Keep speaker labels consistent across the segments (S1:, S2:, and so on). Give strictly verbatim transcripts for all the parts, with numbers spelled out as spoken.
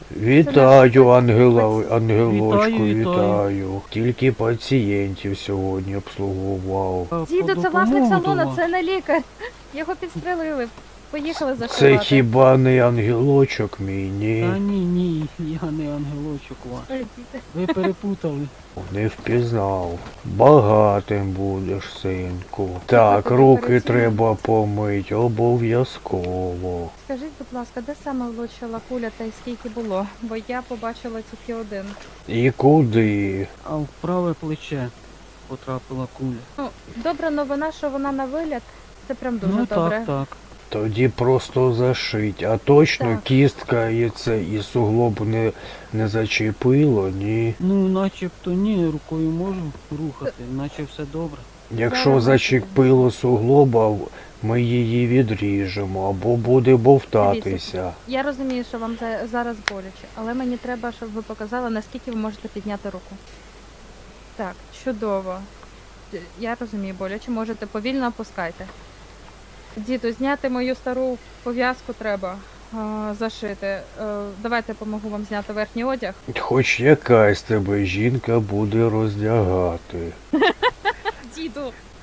S1: Вітаю, ангела,
S2: паці-
S1: ангелочку,
S3: Вітаю, вітаю.
S1: вітаю. Тільки пацієнтів сьогодні обслуговував.
S3: Е,
S2: Діду,
S3: по
S2: це власник
S3: допомогу до
S2: салону,
S3: вас.
S2: це не лікар. Його підстрелили. Поїхали
S1: Це
S2: зашивати.
S1: хіба не ангелочок мій,
S3: Та
S1: ні?
S3: ні, ні, я не ангелочок ваш.
S2: Ой, діти.
S3: Ви перепутали.
S1: Не впізнав. Багатим будеш, синку. Так, руки треба помить, обов'язково.
S2: Скажіть, будь ласка, де саме влучила куля та й скільки було? Бо я побачила тільки один.
S1: І куди?
S3: А в праве плече потрапила куля.
S2: Ну, добра новина, що вона на виліт. Це прям дуже
S3: ну
S2: добре.
S3: так, так.
S1: Тоді просто зашить. А точно
S2: Так.
S1: кістка і це і суглоб не, не зачепило, ні?
S3: Ну, начебто ні, рукою можу рухати, наче все добре.
S1: Якщо
S2: Зараз
S1: зачепило суглоба, ми її відріжемо або буде бовтатися.
S2: Я розумію, що вам за- зараз боляче, але мені треба, щоб ви показали, наскільки ви можете підняти руку. Так, чудово. Д- Я розумію, боляче, можете повільно опускайте. Діду, зняти мою стару пов'язку треба а, зашити. Е, давайте допомогу вам зняти верхній одяг.
S1: Хоч якась тебе жінка буде роздягати.
S2: Діду.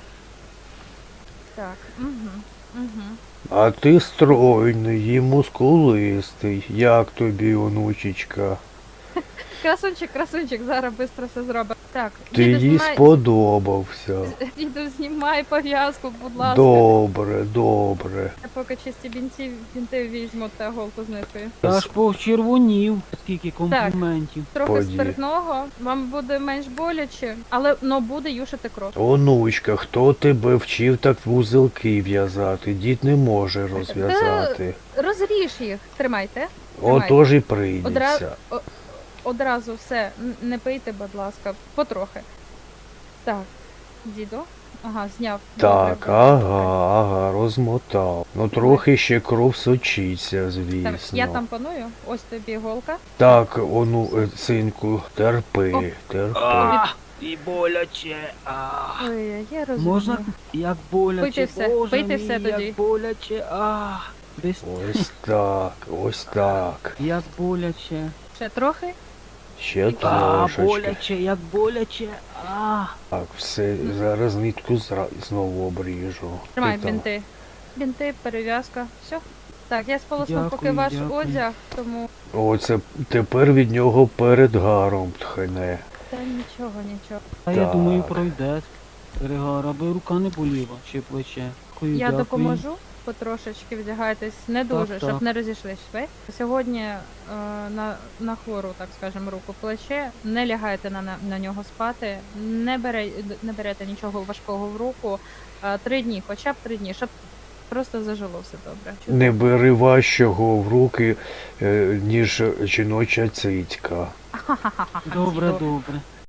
S2: Так, угу, угу.
S1: А ти стройний і мускулистий. Як тобі, онучечка?
S2: Красунчик, красунчик, зараз швидко все зробить. Так,
S1: Ти
S2: діду,
S1: їй
S2: знімай,
S1: сподобався.
S2: діду, знімай пов'язку, будь ласка.
S1: Добре, добре.
S2: Я поки чисті бінти, бінти візьму та голку з ниткою.
S3: Я аж почервонів, скільки компліментів.
S2: Трохи
S1: Поді.
S2: спиртного, вам буде менш боляче, але но буде юшити кров.
S1: Онучка, хто тебе вчив так вузелки в'язати? Дід не може розв'язати.
S2: Розріж їх, тримайте.
S1: Отож і
S2: Одра...
S1: прийдеться.
S2: о- Одразу все, н- не пийте, будь ласка, потрохи. Так, діду. Ага, зняв.
S1: Так,
S2: Добре.
S1: ага, ага, розмотав. Ну трохи ще кров сочиться, звісно.
S2: Так, я там паную, ось тобі іголка.
S1: Так, ону, е, синку, терпи,
S2: Оп.
S1: терпи.
S3: А, і боляче. А.
S2: Ой, я розумію.
S3: Можна? Як боляче,
S2: Пийте все,
S3: боже
S2: пийте
S3: мій,
S2: все тоді.
S3: як боляче. А. Десь
S1: Ось так, ось так.
S3: як боляче.
S2: Ще трохи.
S1: Ще
S3: А,
S1: трошечки.
S3: боляче, як боляче. А.
S1: Так, все, зараз нитку зра- знову обріжу.
S2: Тримай
S1: Ти там.
S2: бінти. Бінти, перев'язка, все. Так, я сполосну поки
S3: Дякую,
S2: ваш
S3: дякую.
S2: одяг, тому.
S1: Оце тепер від нього передгаром тхне.
S2: Та нічого, нічого.
S3: А я
S1: Так.
S3: думаю, пройде. Перегар, аби рука не боліла, чи плече. Дякую,
S2: Я
S3: дякую.
S2: допоможу, потрошечки вдягайтесь, не дуже,
S3: Так,
S2: щоб
S3: так.
S2: не розійшлись шви. Сьогодні е, на, на хвору, так скажемо, руку плече, не лягайте на, на, на нього спати, не, бере, не берете нічого важкого в руку. Е, три дні, хоча б три дні, щоб просто зажило все добре.
S1: Не бери важчого в руки, е, ніж жіноча цицька.
S2: Ха-ха-ха-ха.
S3: Добре,
S2: Діду.
S3: добре.